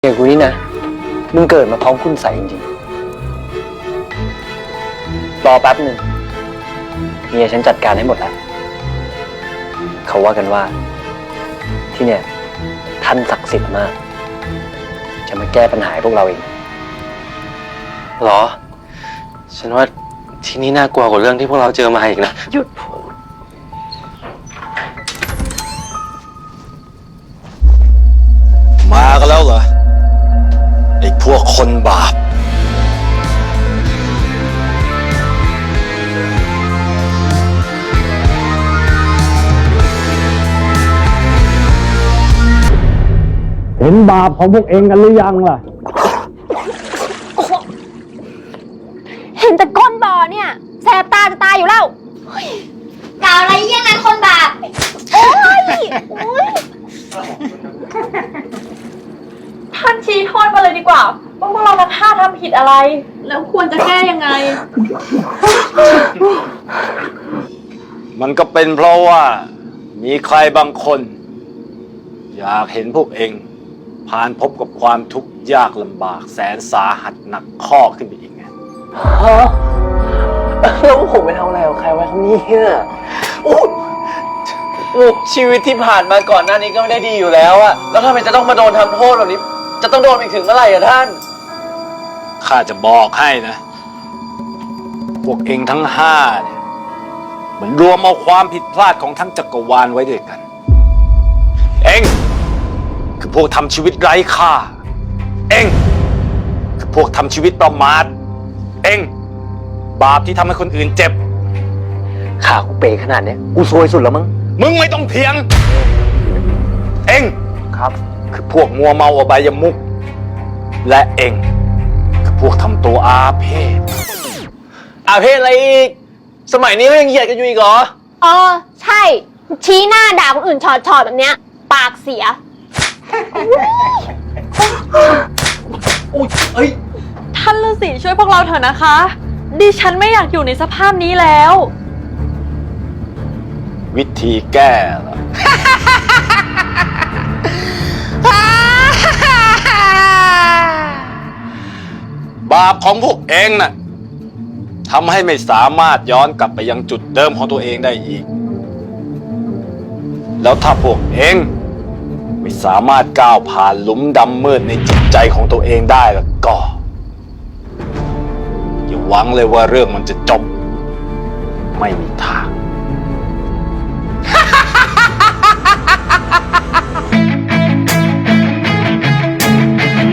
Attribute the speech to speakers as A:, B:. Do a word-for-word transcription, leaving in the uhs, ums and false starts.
A: เด็กกูนี่นะมึงเกิดมาพร้อมคุณใส่จริงๆรอแป๊บหนึ่งเมียฉันจัดการให้หมดแล้วเขาว่ากันว่าที่เนี่ยท่านศักดิ์สิทธิ์มากจะมาแก้ปัญหาให้พวกเราเองหรอฉันว่าที่นี่น่ากลัวกว่าเรื่องที่พวกเราเจอมาอีกนะหยุด
B: มากันแล้วเหรอไอ้พวกคนบาป
C: เห็นบาปของพวกเองกันหรือยังล่ะ
D: เห็นแต่ก้นบ่อเนี่ยแสบตาจะตายอยู่แล้วกล่าวอะไรเยี่ยงนั้นคนบาปโอ้ยโอ้ย
E: ท่านชี้โทษมาเลยดีกว่าว่าพวกเราทั้งห้าทำผิดอะไร แล้วควรจะแก้ยังไง
B: มันก็เป็นเพราะว่ามีใครบางคน อยากเห็นพวกเองผ่านพบกับความทุกข์ยากลำบากแสนสาหัสหนักข้อขึ้นไปอีกไง
A: ฮะแล้วผมไปทำอะไรกับใครไว้ครับเนี่ยโอ้ชีวิตที่ผ่านมาก่อนหน้านี้ก็ไม่ได้ดีอยู่แล้วอะแล้วทำไมจะต้องมาโดนทำโทษแบบนี้จะต้องโดนไปถึงเมื่อไหร่อะท่าน
B: ข้าจะบอกให้นะ พวกเองทั้งห้าเนี่ยเหมือนรวมเอาความผิดพลาดของทั้งจักรวาลไว้ด้วยกัน เองคือพวกทำชีวิตไร้ค่า เองคือพวกทำชีวิตประมาท เองบาปที่ทำให้คนอื่นเจ็บ
A: ขากูเป๋ขนาดเนี้ยกูซวยสุดแล้วมั้ง
B: มึงไม่ต้องเถียง เอง
A: ครับ
B: คือพวกมัวเมาอบายมุขและเองคือพวกทำตัวอาเพศ
A: อาเพศอะไรอีกสมัยนี้ก็ยังเหยียดกันอยู่อีกเหรอ
D: เออใช่ชี้หน้าด่าคนอื่นชอดๆแบบเนี้ยปากเสีย
A: อุ้ยเอ้ย
E: ท่านฤาษีช่วยพวกเราเถอะนะคะ ดิฉันไม่อยากอยู่ในสภาพนี้แล้ว
B: วิธีแก้ล่ะ บาปของพวกเองน่ะทำให้ไม่สามารถย้อนกลับไปยังจุดเดิมของตัวเองได้อีก แล้วถ้าพวกเองไม่สามารถก้าวผ่านหลุมดำมืดในจิตใจของตัวเองได้แล้วก็อย่าหวังเลยว่าเรื่องมันจะจบไม่มีทาง